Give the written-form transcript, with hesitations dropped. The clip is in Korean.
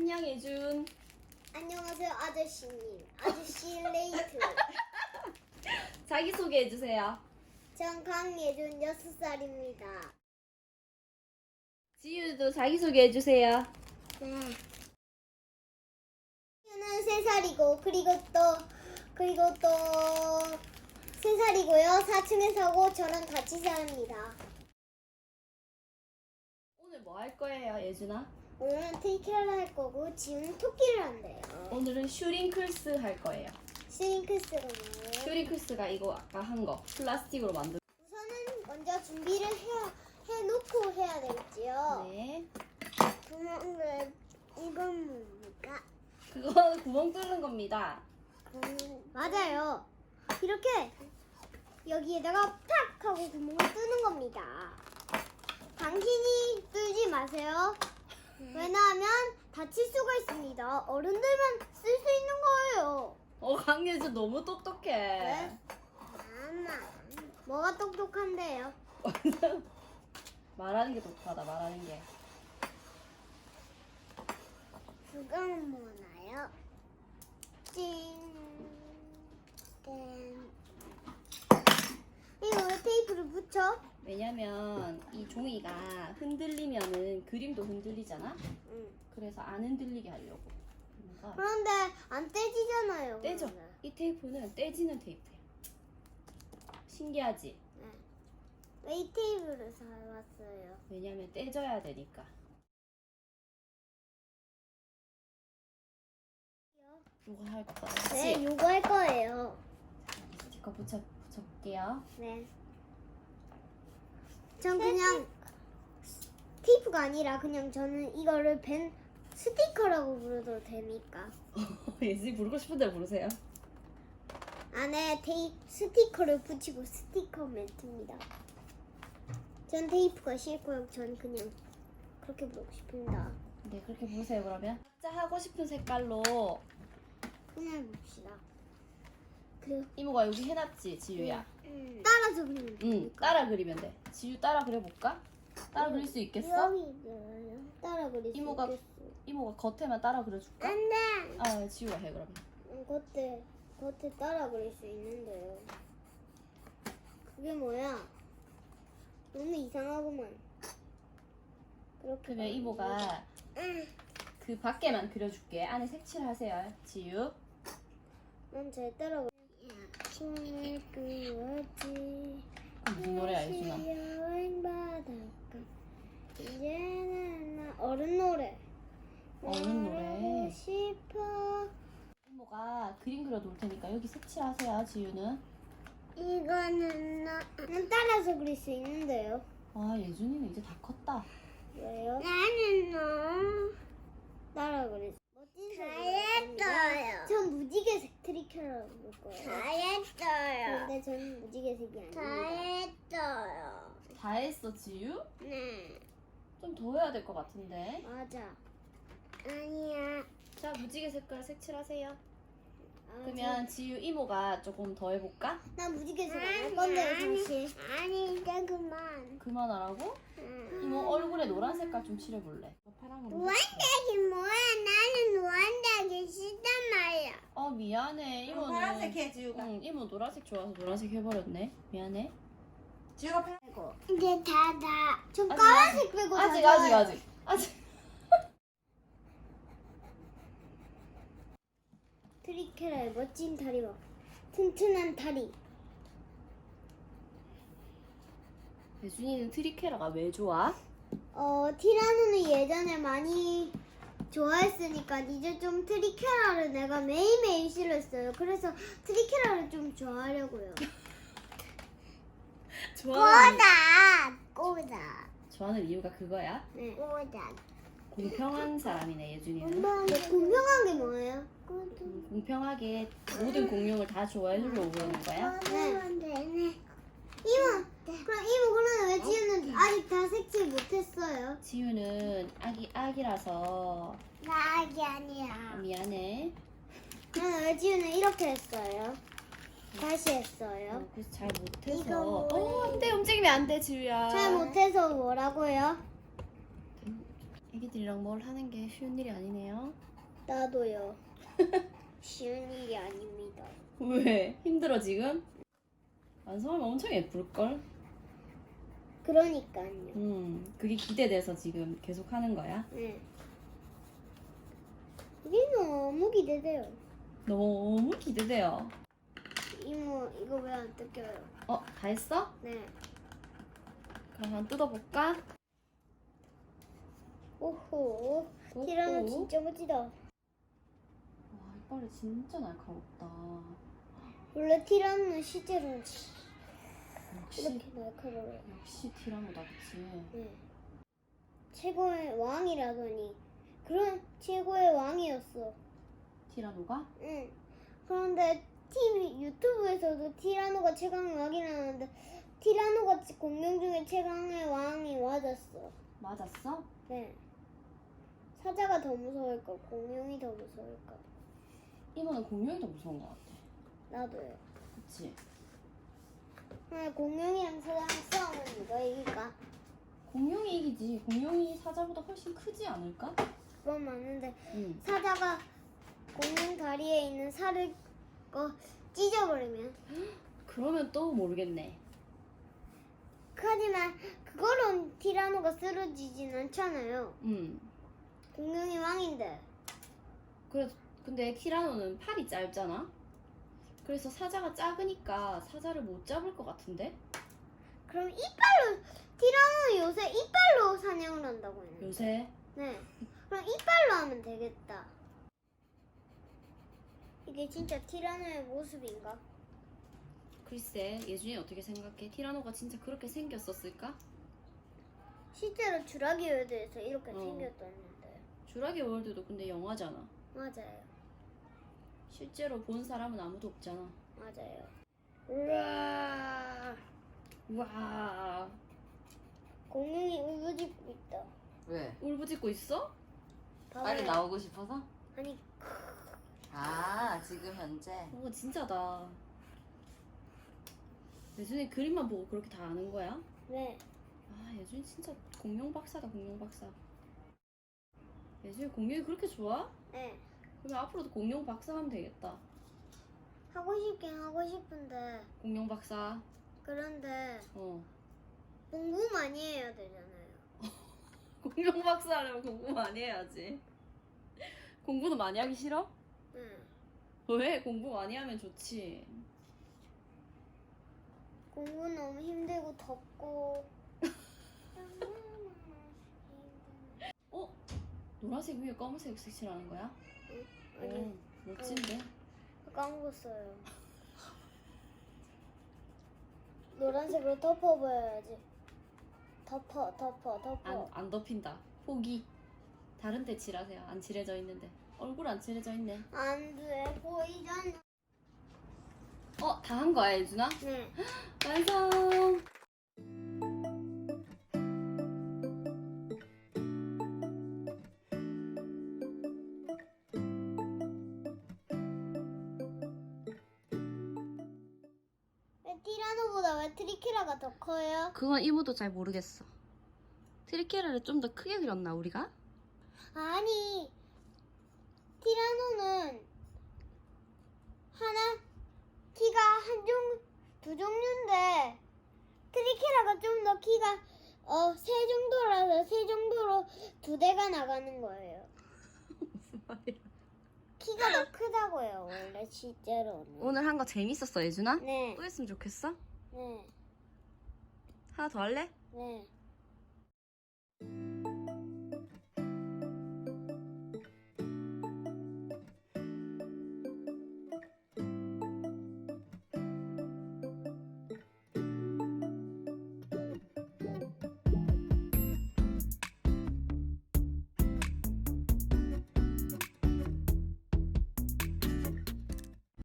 안녕 예준. 안녕하세요 아저씨님. 아저씨 레이트. 자기소개 해주세요. 전 강예준 6살입니다. 지유도 자기소개 해주세요. 네. 지유는 3살이고 그리고 또 3살이고요. 4층에 사고 저랑 같이 삽니다. 오늘 뭐 할 거예요 예준아? 오늘은 테이크를 할 거고 지우는 토끼를 한대요. 오늘은 슈링클스 할 거예요. 스링크스가 뭐예요? 슈링클스가 이거 아까 한 거 플라스틱으로 만든. 우선은 먼저 준비를 해놓고 해야 되겠지요. 네. 구멍을 이건 뭡니까? 그거 구멍 뚫는 겁니다. 맞아요. 이렇게 여기에다가 탁 하고 구멍을 뚫는 겁니다. 당신이 뚫지 마세요. 왜냐하면 다칠 수가 있습니다. 어른들만 쓸 수 있는 거예요. 강예준 너무 똑똑해. 네? 엄마, 뭐가 똑똑한데요? 말하는 게 똑똑하다. 말하는 게. 그건 뭐나요? 찡. 땡. 이거 왜 테이프를 붙여? 왜냐면 이 종이가 흔들리면은 그림도 흔들리잖아. 응. 그래서 안 흔들리게 하려고. 그러니까 그런데 안 떼지잖아요. 떼죠. 그러면. 이 테이프는 떼지는 테이프야. 신기하지? 네. 왜 이 테이프를 사왔어요? 왜냐면 떼져야 되니까. 이거 할 거야. 네, 요거 할 거예요. 스티커 붙여볼게요. 네. 전 그냥 테이프가 아니라 그냥 저는 이거를 벤 스티커라고 부르도 됩니까? 예진이 부르고 싶은 대로 부르세요. 안에 스티커를 붙이고 스티커 멘트입니다. 전 테이프가 싫고요. 전 그냥 그렇게 부르고 싶습니다. 네, 그렇게 부르세요 그러면. 각자 하고 싶은 색깔로 그냥 봅시다. 그 이모가 여기 해놨지, 지유야. 따라서 그리면 응, 됩니까? 따라 그리면 돼. 지유 따라 그려볼까? 따라 그릴 수 있겠어? 여기요. 따라 그릴 수 이모가 있겠어. 이모가 겉에만 따라 그려줄까? 안 돼. 아, 지유가 해 그러면. 겉에 따라 그릴 수 있는데요. 그게 뭐야? 너무 이상하구만. 그렇게 그러면 이모가 그 밖에만 그려줄게. 안에 색칠하세요, 지유. 난 잘 따라 그려. 손을 그었지. 무슨 노래야, 예준아? 여행 바닷가. 이제는 나 어른 노래. 어른 노래. 말하고 싶어. 이모가 그림 그려놓을 테니까 여기 색칠하세요, 지유는. 이거는 난 따라서 그릴 수 있는데요. 아, 예준이는 이제 다 컸다. 왜요? 나는 너 따라 그릴 수. 멋진 잘했어요. 전 무지개색 트리케라고 볼 거예요. 잘했어요. 근데 전 무지개색이 아닙니다. 잘했어요. 다 했어, 지유? 네. 좀 더 해야 될 것 같은데. 맞아. 아니야. 자, 무지개 색깔 색칠하세요. 그러면 지유 이모가 조금 더 해볼까? 난 무지개색 할 건데 사실. 아니 이제 그만. 그만하라고? 이모 얼굴에 노란 색깔 좀 칠해볼래. 파란 거. 노란색이 뭐야? 나는 노란색이 싫단 말이야. 미안해. 이모는. 파란색 해, 지우가. 응, 이모 노란색 좋아서 노란색 해버렸네. 미안해. 지우가 편. 이제 다. 좀 아직, 까만색 빼고 아직. 트리케라의 멋진 다리와 튼튼한 다리. 예준이는 트리케라가 왜 좋아? 티라노는 예전에 많이 좋아했으니까 이제 좀 트리케라를 내가 매일매일 싫어했어요. 그래서 트리케라를 좀 좋아하려고요. 좋아하는 이유가 그거야? 네. 공평한 사람이네, 예준이는. 공평한 게 뭐예요? 공평하게 모든 공룡을 다 좋아해주려고 그러는 거야? 네. 이모, 그러면 왜 지우는 아직 다 색칠 못했어요? 지유는 아기라서 나 아기 아니야. 미안해. 왜 지우는 이렇게 했어요? 다시 했어요. 그래서 잘 이거 못해서. 뭐예요? 안 돼, 움직이면 안 돼, 지유야. 잘 못해서 뭐라고요? 애기들이랑 뭘 하는 게 쉬운 일이 아니네요. 나도요. 쉬운 일이 아닙니다. 왜? 힘들어 지금? 완성하면 엄청 예쁠걸? 그러니까요. 그게 기대돼서 지금 계속 하는 거야? 네. 이게 너무 기대돼요. 너무 기대돼요. 이모 이거 왜 안 뜯겨요? 다 했어? 네. 그럼 한번 뜯어볼까? 오호. 오호. 티라노 진짜 멋지다. 와, 이빨이 진짜 날카롭다. 원래 티라노는 실제로는 역시, 이렇게 날카로워요. 역시 티라노다, 그치? 네. 최고의 왕이라더니 그런 최고의 왕이었어. 티라노가? 응. 그런데 TV 유튜브에서도 티라노가 최강의 왕이라는데 티라노가 공룡 중에 최강의 왕이 맞았어. 맞았어? 네. 사자가 더 무서울까? 공룡이 더 무서울까? 이모는 공룡이 더 무서운 것 같아. 나도요. 그치? 공룡이랑 사자랑 싸우면 누가 이길까? 공룡이 이기지. 공룡이 사자보다 훨씬 크지 않을까? 그건 맞는데 응. 사자가 공룡 다리에 있는 살을 찢어버리면 그러면 또 모르겠네. 하지만 그거로 티라노가 쓰러지진 않잖아요. 공룡이 왕인데. 그래, 근데 티라노는 팔이 짧잖아? 그래서 사자가 작으니까 사자를 못 잡을 것 같은데? 그럼 이빨로 티라노는 요새 이빨로 사냥을 한다고 했는데. 요새? 네. 그럼 이빨로 하면 되겠다. 이게 진짜 티라노의 모습인가? 글쎄, 예준이 어떻게 생각해? 티라노가 진짜 그렇게 생겼었을까? 실제로 주라기 월드에서 이렇게 어. 생겼었는데. 주라기 월드도 근데 영화잖아. 맞아요. 실제로 본 사람은 아무도 없잖아. 맞아요. 우와. 우와. 공룡이 울부짖고 있다. 왜? 울부짖고 있어? 빨리 봐봐요. 나오고 싶어서? 아니 아, 지금 현재. 진짜다. 예준이 그림만 보고 그렇게 다 아는 거야? 네. 아, 예준이 진짜 공룡 박사다, 공룡 박사. 예준이 공룡이 그렇게 좋아? 네. 그러면 앞으로도 공룡 박사 하면 되겠다. 하고 싶긴 하고 싶은데 공룡 박사. 그런데 어. 공부 많이 해야 되잖아요. 공룡 박사 하려면 공부 많이 해야지. 공부는 많이 하기 싫어? 네. 왜? 공부 많이 하면 좋지. 공부 너무 힘들고 덥고. 노란색 위에 검은색 색칠하는 거야? 아니 오, 멋진데? 까먹었어요. 노란색으로 덮어봐야지. 덮어. 안 덮인다. 포기. 다른 데 칠하세요. 안 칠해져 있는데. 얼굴 안 칠해져 있네. 안 돼, 보이잖아. 다 한 거야, 예준아? 네. 완성! 왜 티라노보다 왜 트리케라가 더 커요? 그건 이모도 잘 모르겠어. 트리케라를 좀 더 크게 그렸나, 우리가? 아니, 티라노는 키가 두 종류인데 트리케라가 좀 더 키가 세 정도라서 세 정도로 두 대가 나가는 거예요. 무슨 말이야? 키가 더 크다고요, 원래 실제로는. 오늘 한 거 재밌었어, 예준아? 네, 또 했으면 좋겠어? 네, 하나 더 할래? 네.